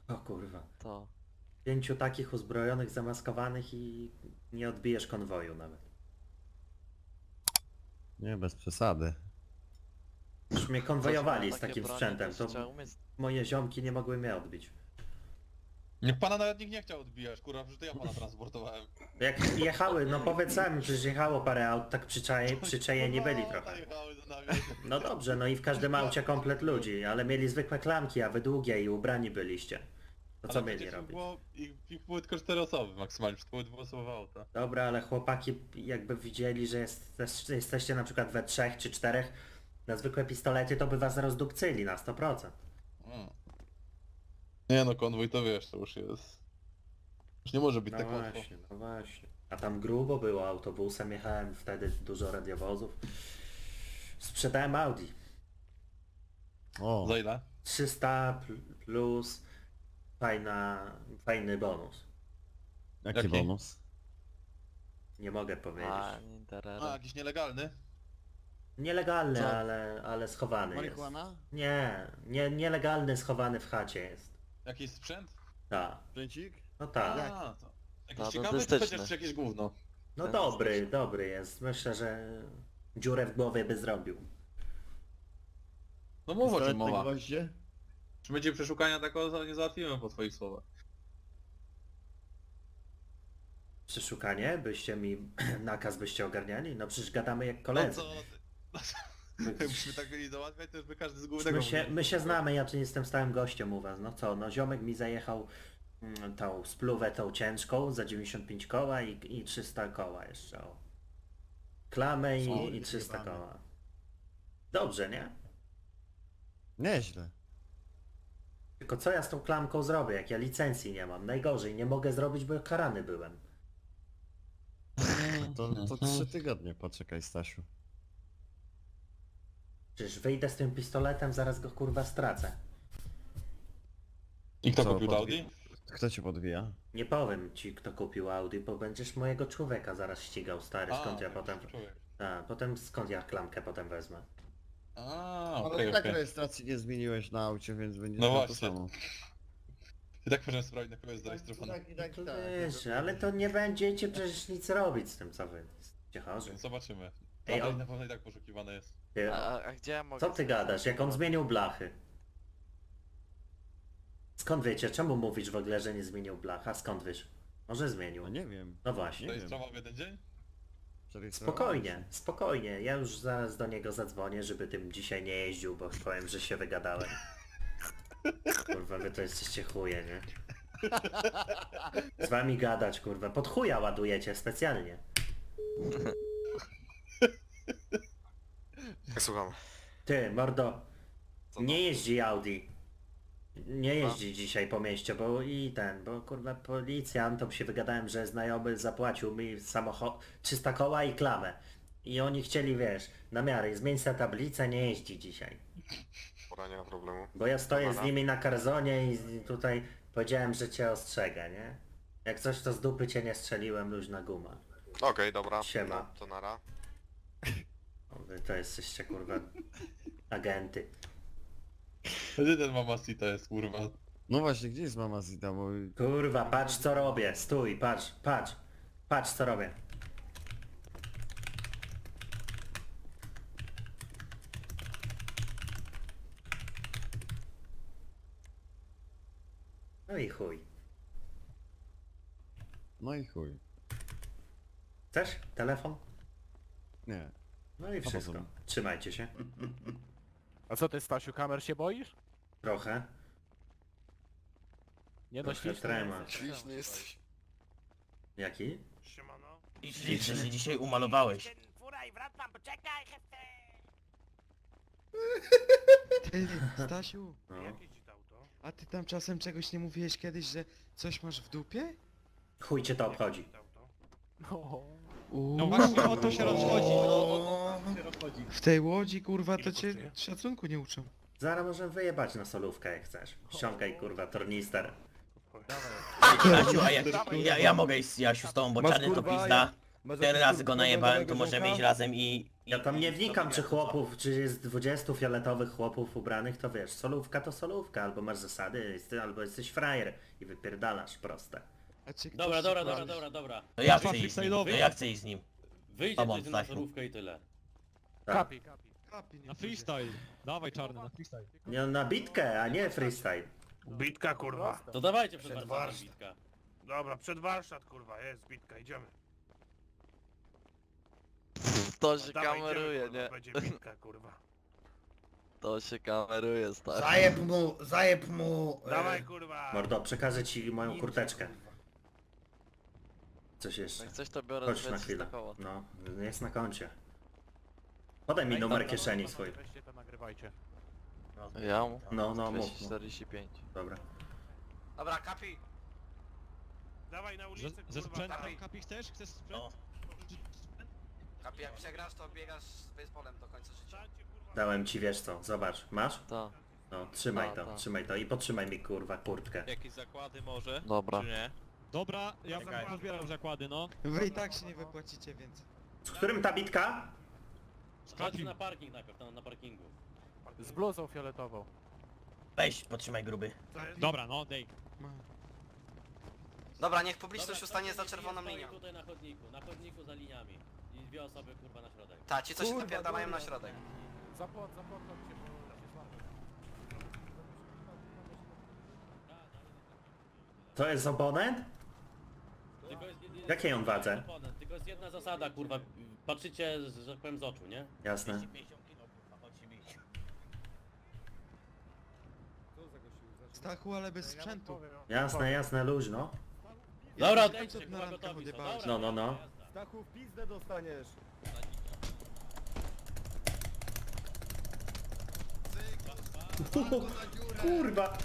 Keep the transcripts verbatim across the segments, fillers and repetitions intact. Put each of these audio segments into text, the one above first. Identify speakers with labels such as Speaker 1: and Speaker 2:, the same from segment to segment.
Speaker 1: O kurwa.
Speaker 2: To.
Speaker 1: Pięciu takich uzbrojonych, zamaskowanych i nie odbijesz konwoju nawet.
Speaker 3: Nie, bez przesady.
Speaker 1: Już mnie
Speaker 2: Co,
Speaker 1: konwojowali z
Speaker 2: takie
Speaker 1: takim
Speaker 2: bronie
Speaker 1: sprzętem,
Speaker 2: też
Speaker 1: to
Speaker 2: trzeba umieć.
Speaker 1: moje ziomki nie mogły mnie odbić.
Speaker 4: Niech pana nawet nikt nie chciał odbijać, kurwa, przecież to ja pana transportowałem.
Speaker 1: Jak jechały, no powiedz sami, przecież jechało parę aut, tak przyczaje, przyczajeni byli
Speaker 4: No,
Speaker 1: trochę.
Speaker 4: najechały za nami.
Speaker 1: No dobrze, no i w każdym aucie komplet ludzi, ale mieli zwykłe klamki, a wy długie i ubrani byliście. To co
Speaker 4: Ale
Speaker 1: mieli
Speaker 4: przecież
Speaker 1: robić?
Speaker 4: Było, ich, ich były tylko cztery osoby maksymalnie, to były dwuosobowe auta.
Speaker 1: Dobra, ale chłopaki jakby widzieli, że jest, jesteście na przykład we trzech czy czterech na zwykłe pistolety, to by was rozdupcyli na sto procent.
Speaker 4: Mm. Nie no, konwój to wiesz, to już jest... Już nie może być
Speaker 1: No
Speaker 4: tak łatwo.
Speaker 1: właśnie, no właśnie. A tam grubo było autobusem, jechałem wtedy dużo radiowozów. Sprzedałem Audi.
Speaker 3: O,
Speaker 4: Za ile?
Speaker 1: trzysta pl- plus fajna, fajny bonus.
Speaker 3: jaki
Speaker 4: Jaki?
Speaker 3: bonus?
Speaker 1: Nie mogę powiedzieć.
Speaker 2: A, nie interera.
Speaker 4: A, jakiś nielegalny?
Speaker 1: Nielegalny,
Speaker 3: Co?
Speaker 1: ale, ale schowany jest.
Speaker 3: Marihuana?
Speaker 1: Nie, nie, nielegalny, schowany w chacie jest.
Speaker 4: Jakiś sprzęt?
Speaker 1: Tak,
Speaker 3: Sprzęcik?
Speaker 1: no tak.
Speaker 4: A, to... Jakiś
Speaker 2: to
Speaker 4: ciekawy, czy
Speaker 2: dentystyczny.
Speaker 4: chociaż jakieś gówno?
Speaker 1: No
Speaker 2: Ten
Speaker 1: dobry,
Speaker 2: jest-
Speaker 1: dobry jest. Myślę, że dziurę w głowie by zrobił.
Speaker 4: No mów o czym
Speaker 3: Pistolet na
Speaker 4: mowa.
Speaker 3: gwoździe?
Speaker 4: Czy będzie przeszukania takiego nie załatwimy po twoich słowach?
Speaker 1: Przeszukanie? Byście mi nakaz byście ogarniali? No przecież gadamy jak
Speaker 4: No
Speaker 1: koledzy.
Speaker 4: co? Jakbyśmy tak mieli załatwiać, to już by każdy z głównego...
Speaker 1: My się, my się znamy, ja tu jestem stałym gościem u was. No co, no ziomek mi zajechał mm, tą spluwę tą ciężką za dziewięćdziesiąt pięć koła i, i trzysta koła jeszcze. O. Klamę
Speaker 3: Co?
Speaker 1: i, i trzysta koła. Dobrze, nie?
Speaker 3: Nieźle.
Speaker 1: Tylko co ja z tą klamką zrobię, jak ja licencji nie mam? Najgorzej, nie mogę zrobić, bo karany byłem.
Speaker 3: To, to trzy tygodnie poczekaj, Stasiu.
Speaker 1: Przecież wyjdę z tym pistoletem, zaraz go kurwa stracę.
Speaker 4: I kto
Speaker 3: Co,
Speaker 4: kupił to
Speaker 3: podwi-
Speaker 4: Audi?
Speaker 3: Kto cię podwija?
Speaker 1: Nie powiem ci, kto kupił Audi, bo będziesz mojego człowieka zaraz ścigał, stary. Skąd ja
Speaker 4: okej,
Speaker 1: potem...
Speaker 4: człowiek.
Speaker 1: A, potem skąd ja klamkę potem wezmę?
Speaker 4: A,
Speaker 3: Ale
Speaker 4: okej,
Speaker 3: i tak
Speaker 4: okej.
Speaker 3: rejestracji nie zmieniłeś na aucie, więc będzie
Speaker 4: No
Speaker 3: to
Speaker 4: właśnie.
Speaker 3: samo.
Speaker 4: I tak możemy sprawdzić, na kogo jest zarejestrowana.
Speaker 3: Tak, i tak, i tak.
Speaker 1: Wiesz, ale to nie będziecie przecież nic robić z tym, co wy jesteście chorzy.
Speaker 4: Zobaczymy.
Speaker 1: Ej,
Speaker 4: Ej,
Speaker 1: on-
Speaker 4: na pewno i tak poszukiwane jest.
Speaker 1: Ty,
Speaker 2: A, a gdzie ja mogę...
Speaker 1: co ty
Speaker 2: sobie
Speaker 1: gadasz, jak on
Speaker 2: zastosować?
Speaker 1: zmienił blachy? Skąd wiecie, czemu mówisz w ogóle, że nie zmienił blach? A skąd wiesz? Może zmienił.
Speaker 3: No nie wiem.
Speaker 1: No
Speaker 4: To
Speaker 1: właśnie.
Speaker 3: Nie
Speaker 4: jest
Speaker 3: wiem.
Speaker 4: sprawa w jeden dzień?
Speaker 3: Przerejestrowałem
Speaker 1: Spokojnie,
Speaker 3: się.
Speaker 1: spokojnie. Ja już zaraz do niego zadzwonię, żeby tym dzisiaj nie jeździł, bo powiem, że się wygadałem. Kurwa, wy to jesteście chuje, nie? Z wami gadać, kurwa. Pod chuja ładujecie specjalnie.
Speaker 5: Słucham.
Speaker 1: Ty, mordo,
Speaker 5: Co
Speaker 1: nie jeździ Audi. Nie jeździ dzisiaj po mieście, bo i ten, bo kurwa policjantom się wygadałem, że znajomy zapłacił mi samochód trzysta koła i klamę. I oni chcieli, wiesz, na miarę, zmień sobie tablicę, nie jeździ dzisiaj.
Speaker 5: Pora, nie ma problemu.
Speaker 1: Bo ja stoję z
Speaker 5: Dobra.
Speaker 1: nimi na karzonie i tutaj powiedziałem, że cię ostrzegę, nie? Jak coś to z dupy cię nie strzeliłem, luźna guma.
Speaker 5: Okej, dobra.
Speaker 1: Siema.
Speaker 5: No, to nara.
Speaker 1: O, wy to jesteście kurwa agenty.
Speaker 4: Gdzie ten Mamacita jest, kurwa?
Speaker 3: No właśnie, gdzie jest mama Zita, bo...
Speaker 1: Kurwa, patrz co robię, stój, patrz, patrz, patrz co robię. No i chuj.
Speaker 3: No i chuj.
Speaker 1: Chcesz telefon?
Speaker 3: Nie.
Speaker 1: No i wszystko.
Speaker 3: potem.
Speaker 1: Trzymajcie się.
Speaker 6: A co ty, Stasiu, kamer się boisz?
Speaker 1: Trochę.
Speaker 6: Nie no,
Speaker 1: Trochę
Speaker 6: śliczny
Speaker 1: trema.
Speaker 6: jesteś.
Speaker 5: Śliczny jesteś.
Speaker 1: Jaki?
Speaker 7: I ślicznie się dzisiaj umalowałeś.
Speaker 8: Ty, Stasiu,
Speaker 1: No.
Speaker 8: a ty tam czasem czegoś nie mówiłeś kiedyś, że coś masz w dupie?
Speaker 1: Chuj cię to obchodzi.
Speaker 6: No.
Speaker 8: Uuu,
Speaker 9: No właśnie o to się rozchodzi. O to się rozchodzi.
Speaker 8: w tej łodzi kurwa to
Speaker 6: Ile
Speaker 8: cię
Speaker 6: kosztuje?
Speaker 8: szacunku nie uczą.
Speaker 1: Zaraz możemy wyjebać na solówkę jak chcesz. Ściągaj kurwa tornister.
Speaker 7: Jasiu, a jak, ja, ja mogę iść z Jasiu z tobą, bo
Speaker 10: Masz,
Speaker 7: czarny to
Speaker 10: kurwa,
Speaker 7: pizda. Cztery razy go najebałem, to możemy iść razem i... i
Speaker 1: Ja tam nie
Speaker 7: i
Speaker 1: wnikam, czy
Speaker 7: zrobimy
Speaker 1: chłopów, czy jest dwudziestu fioletowych chłopów ubranych, to wiesz, solówka to solówka, albo masz zasady, jest- albo jesteś frajer i wypierdalasz proste.
Speaker 8: A czy ktoś
Speaker 2: Dobra,
Speaker 8: ci
Speaker 2: dobra,
Speaker 8: powie-
Speaker 2: dobra, dobra, dobra.
Speaker 7: To ja
Speaker 9: Kurwa,
Speaker 7: chcę iść z nim, to
Speaker 9: freestyle'owy.
Speaker 7: ja chcę iść z nim.
Speaker 2: Wyjdzie
Speaker 7: Pomóc,
Speaker 2: coś na
Speaker 7: Stasiu.
Speaker 2: solówkę i tyle.
Speaker 1: Tak.
Speaker 6: Kapi, kapi.
Speaker 8: Kapi, nie
Speaker 9: Na
Speaker 8: pójdzie.
Speaker 9: freestyle. Dawaj czarny, na freestyle.
Speaker 1: Nie, na bitkę, a nie freestyle.
Speaker 10: Bitka kurwa.
Speaker 2: To dawajcie przed
Speaker 10: Przed
Speaker 2: warsztatem
Speaker 10: warsztat.
Speaker 2: bitka.
Speaker 10: Dobra, przed warsztat kurwa, jest bitka, idziemy.
Speaker 11: To się
Speaker 10: Dawaj,
Speaker 11: kameruje,
Speaker 10: idziemy,
Speaker 11: nie?
Speaker 10: kurwa, będzie bitka kurwa.
Speaker 11: To się kameruje, stary.
Speaker 12: Zajeb mu, zajeb mu. e,
Speaker 10: Dawaj kurwa.
Speaker 1: Mordo, przekażę ci moją kurteczkę. Coś jeszcze.
Speaker 11: Jak coś to biorę
Speaker 1: Chodź
Speaker 11: dwie
Speaker 1: na
Speaker 11: trzysta
Speaker 1: chwilę.
Speaker 11: koła.
Speaker 1: No, jest na koncie. Podaj mi numer kieszeni swój.
Speaker 6: Weźcie to, nagrywajcie.
Speaker 11: Ja mu?
Speaker 1: No, no, mów.
Speaker 11: dwieście
Speaker 1: mów.
Speaker 11: czterdzieści pięć.
Speaker 1: Dobra.
Speaker 5: Dobra, kapi.
Speaker 10: Dawaj na
Speaker 9: Ze,
Speaker 10: ulicę
Speaker 9: ze
Speaker 10: kurwa.
Speaker 9: sprzętem,
Speaker 10: dawaj.
Speaker 9: Kapi, chcesz? Chcesz sprzęt?
Speaker 7: No.
Speaker 5: Kapi, jak przegrasz, to biegasz z baseballem do końca życia.
Speaker 10: Stańcie, kurwa.
Speaker 1: Dałem ci, wiesz co, zobacz. Masz?
Speaker 11: Ta,
Speaker 1: No, trzymaj
Speaker 11: A,
Speaker 1: to,
Speaker 11: tak.
Speaker 1: trzymaj to i potrzymaj mi kurwa kurtkę.
Speaker 2: Jakieś zakłady może?
Speaker 11: dobra.
Speaker 2: nie?
Speaker 9: Dobra, ja
Speaker 10: Czekaj.
Speaker 9: pozbieram zakłady, no.
Speaker 8: Wy i tak się nie wypłacicie, więc...
Speaker 1: Z którym ta bitka?
Speaker 2: Chodź na parking najpierw, tam na parkingu.
Speaker 6: Z bluzą fioletową.
Speaker 7: Weź, potrzymaj gruby.
Speaker 10: Co jest?
Speaker 9: Dobra, no, dej.
Speaker 8: Ma.
Speaker 5: Dobra, niech
Speaker 2: Dobra,
Speaker 5: publiczność ustanie za
Speaker 2: stoi-
Speaker 5: czerwoną
Speaker 2: stoi
Speaker 5: linią.
Speaker 2: tutaj na chodniku, na chodniku za liniami. I dwie osoby kurwa na środek.
Speaker 5: Ta, ci co się
Speaker 6: Kurwa,
Speaker 5: napierdalają na
Speaker 6: dobra.
Speaker 5: środek.
Speaker 6: Zapłot, zapłot, chodźcie, bo się złapie.
Speaker 1: To jest abonent?
Speaker 2: Tylko jest,
Speaker 1: Jakiej on wadze?
Speaker 2: Tylko jest jedna zasada kurwa, patrzycie, że tak powiem z oczu, nie?
Speaker 1: Jasne.
Speaker 7: dwieście pięćdziesiąt kilo, kurwa, chodź się bić.
Speaker 8: Stachu, ale bez sprzętu.
Speaker 1: Jasne, jasne, luźno.
Speaker 2: Dobra,
Speaker 8: Ja
Speaker 2: odejdźcie,
Speaker 8: na
Speaker 2: kurwa
Speaker 8: randkach
Speaker 2: gotowi są.
Speaker 8: odjebałeś.
Speaker 2: Dobra,
Speaker 1: No, no, no.
Speaker 2: jazda.
Speaker 6: Stachu, w pizdę dostaniesz.
Speaker 1: Kurwa!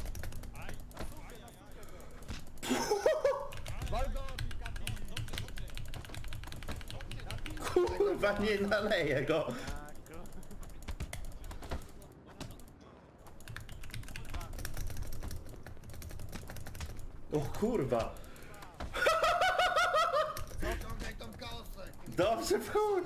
Speaker 1: Kurwa, nie naleję go! O kurwa!
Speaker 12: Zaciągaj tą kosę.
Speaker 1: Dobrze, w chuj!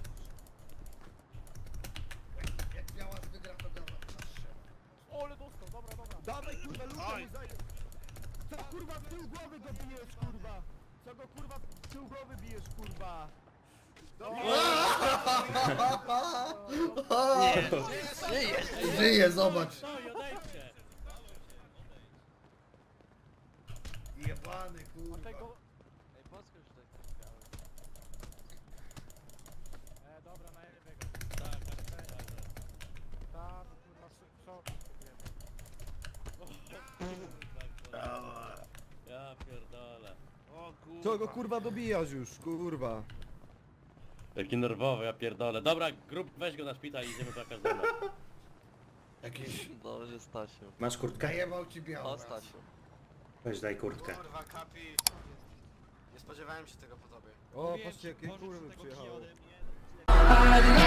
Speaker 12: Jak biała wygra, to biała na strzelę.
Speaker 6: Ole dostał, dobra, dobra. Dawaj kurwa,
Speaker 10: Oj.
Speaker 6: ludzie mu zajeb. Co kurwa w tył głowy go bijesz, kurwa? Co go kurwa w tył głowy bijesz, kurwa?
Speaker 12: Żyje, zobacz.
Speaker 2: Stoi, odejdźcie.
Speaker 12: Jebany
Speaker 6: A
Speaker 12: kurwa.
Speaker 6: tego...
Speaker 11: Ej, podskocz tutaj.
Speaker 6: E, dobra, na jego.
Speaker 2: Tak, tak, tak, tak.
Speaker 6: Tam, kurwa, szok.
Speaker 2: Ja pierdolę.
Speaker 10: O kurwa.
Speaker 6: Co go kurwa dobijasz już, kurwa?
Speaker 2: Taki nerwowy, ja pierdolę. Dobra, grup, weź go na szpital i idziemy po każdego.
Speaker 12: Jakiś
Speaker 11: Dobrze, Stasiu.
Speaker 1: Masz kurtkę?
Speaker 12: zajebał ci biała.
Speaker 11: O, Stasiu.
Speaker 1: Weź daj kurtkę.
Speaker 5: Kurwa, kapi. Nie spodziewałem się tego po tobie.
Speaker 6: O,
Speaker 9: Wiesz,
Speaker 6: patrzcie jakie
Speaker 9: pożycz
Speaker 6: kurwy
Speaker 9: tego kija
Speaker 6: przyjechały.
Speaker 9: ode mnie.